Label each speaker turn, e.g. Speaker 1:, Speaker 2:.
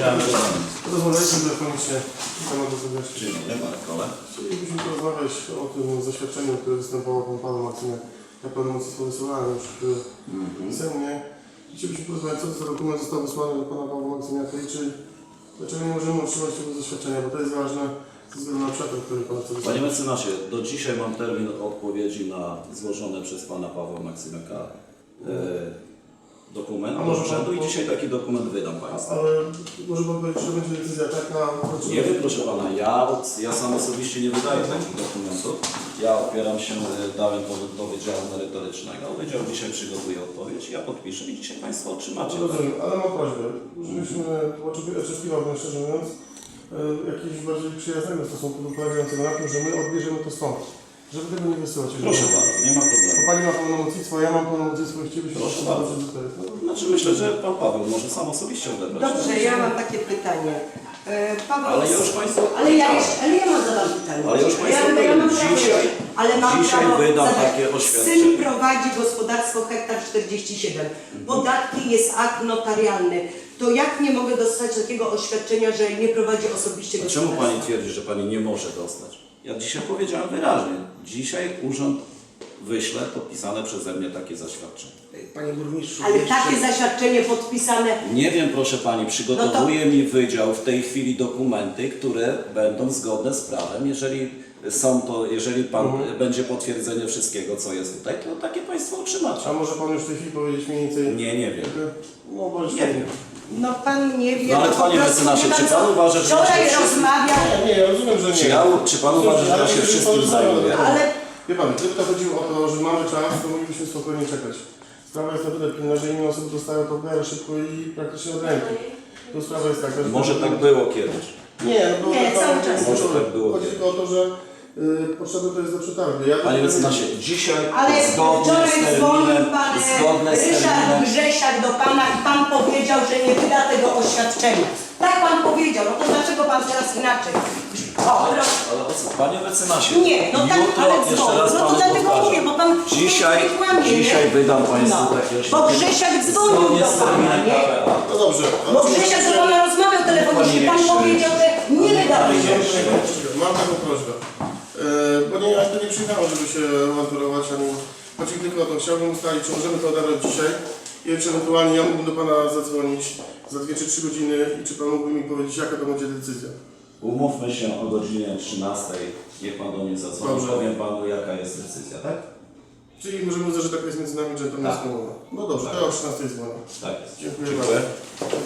Speaker 1: Rozmawialiśmy telefonicznie na temat osobowości.
Speaker 2: Dzień dobry, Marek Kole.
Speaker 1: Chcielibyśmy porozmawiać o tym zaświadczeniu, które występowało pan Paweł Maksymiak. Ja pełnomocnictwo wysyłałem już pisemnie. Chcielibyśmy porozmawiać, co to za dokument został wysłany do pana Pawła Maksymiaka i dlaczego nie możemy otrzymać tego zaświadczenia, bo to jest ważne ze względu na przetarg, który pan chce wysłać.
Speaker 2: Panie mecenasie, do dzisiaj mam termin odpowiedzi na złożone przez pana Pawła Maksymiaka dokument do urzędu i dzisiaj taki dokument wydam państwu.
Speaker 1: Ale może pan powiedzieć, że będzie decyzja taka?
Speaker 2: Nie wiem, proszę pana, ja sam osobiście nie wydaję takich dokumentów. Ja opieram się, dałem do Wydziału Merytorycznego. Wydział dzisiaj przygotuje odpowiedź, ja podpiszę i dzisiaj państwo otrzymacie.
Speaker 1: Rozumiem, ale mam prośbę, żebyśmy oczekiwałbym, szczerze mówiąc, jakiegoś bardziej przyjaznego stosunku polegającego na tym, że my odbierzemy to stąd. Żeby tego nie wysyłać.
Speaker 2: Proszę bardzo, nie ma problemu.
Speaker 1: Bo pani ma pełnomocnictwo, ja mam pełnomocnictwo i chcielibyśmy...
Speaker 2: Proszę bardzo. Znaczy myślę, że pan Paweł może sam osobiście odebrać.
Speaker 3: Dobrze, ja mam takie pytanie. Paweł,
Speaker 2: Ale ja już państwu...
Speaker 3: ale ja mam zadam pytanie.
Speaker 2: Ale już państwu
Speaker 3: ja mam
Speaker 2: dzisiaj,
Speaker 3: ale mam
Speaker 2: dzisiaj
Speaker 3: prawo
Speaker 2: wydam
Speaker 3: zadać.
Speaker 2: takie oświadczenie.
Speaker 3: Syn prowadzi gospodarstwo hektar 47. Podatki jest akt notarialny. To jak nie mogę dostać takiego oświadczenia, że nie prowadzi osobiście
Speaker 2: A czemu
Speaker 3: gospodarstwa?
Speaker 2: pani twierdzi, że pani nie może dostać? Ja dzisiaj powiedziałem wyraźnie. Dzisiaj urząd wyśle podpisane przeze mnie takie zaświadczenie.
Speaker 4: Panie burmistrzu,
Speaker 3: Ale
Speaker 4: jeszcze...
Speaker 3: takie zaświadczenie podpisane...
Speaker 2: Nie wiem, proszę pani, przygotowuje mi wydział w tej chwili dokumenty, które będą zgodne z prawem. Jeżeli pan będzie potwierdzenie wszystkiego, co jest tutaj, to takie państwo otrzymacie.
Speaker 1: A może pan już w tej chwili powiedzieć mniej więcej...
Speaker 2: Nie wiem.
Speaker 1: No bądź
Speaker 2: Nie wiem.
Speaker 3: No pan nie wie,
Speaker 2: No ale
Speaker 3: po
Speaker 2: panie
Speaker 3: prostu
Speaker 2: mecenasie,
Speaker 3: wie pan
Speaker 2: czy pan
Speaker 3: co?
Speaker 2: uważa, że ja
Speaker 3: Wczoraj
Speaker 2: się
Speaker 3: rozmawiał,
Speaker 1: Nie, ja rozumiem, że nie.
Speaker 2: Czy pan uważa, że ja się wszystkim zajmuję?
Speaker 3: ale
Speaker 1: Wie pan, gdyby to chodziło o to, że mamy czas, to moglibyśmy spokojnie czekać. Sprawa jest na tyle pilna, że inne osoby dostają to w miarę szybko i praktycznie od ręki. To sprawa jest taka, że...
Speaker 2: Może tak było kiedyś.
Speaker 1: Nie, no bo...
Speaker 3: Nie, cały czas.
Speaker 2: Może tak było.
Speaker 1: Chodzi tylko o to, że potrzebne to jest do przetargu.
Speaker 2: Panie mecenasie, dzisiaj
Speaker 3: Ale
Speaker 2: zgodnie
Speaker 3: wczoraj
Speaker 2: z
Speaker 3: dzwonił
Speaker 2: terminem,
Speaker 3: pan
Speaker 2: zgodne
Speaker 3: Ryszard Grzesiak do pana i pan powiedział, że nie wyda tego oświadczenia. Tak pan powiedział, no to dlaczego pan teraz inaczej? O, proszę.
Speaker 2: Ale o co? Panie mecenasie,
Speaker 3: Nie, no tak,
Speaker 2: jutro
Speaker 3: ale
Speaker 2: jeszcze
Speaker 3: dzwonił.
Speaker 2: raz
Speaker 3: No to
Speaker 2: panu
Speaker 3: dlatego
Speaker 2: powtarzam.
Speaker 3: mówię, bo pan
Speaker 2: Dzisiaj wydam państwu takie
Speaker 3: Bo
Speaker 2: oświadczenie.
Speaker 3: Grzesiak dzwonił
Speaker 2: Zgodnie
Speaker 3: do
Speaker 2: z
Speaker 3: pana,
Speaker 2: terminem
Speaker 3: nie?
Speaker 2: KPA.
Speaker 1: No dobrze.
Speaker 3: Bo Grzesiak do pana rozmawiał telefonicznie, pan powiedział, że nie wyda tego.
Speaker 1: Mam taką prośbę. Bo nie, ja tu nie przyjechałem, żeby się awanturować, ani... Chodzi tylko o to, chciałbym ustalić, czy możemy to odebrać dzisiaj i czy ewentualnie ja mógłbym do pana zadzwonić za 2 czy 3 godziny i czy pan mógłby mi powiedzieć, jaka to będzie decyzja.
Speaker 2: Umówmy się o godzinie 13. Niech pan do mnie zadzwoni.
Speaker 1: Dobrze.
Speaker 2: Powiem panu, jaka jest decyzja, tak?
Speaker 1: Czyli możemy uznać, że taka jest między nami dżentelmeńska umowa. No dobrze, to ja o 13 dzwonię.
Speaker 2: Tak jest.
Speaker 1: Dziękuję
Speaker 2: Dziękuję.
Speaker 1: bardzo.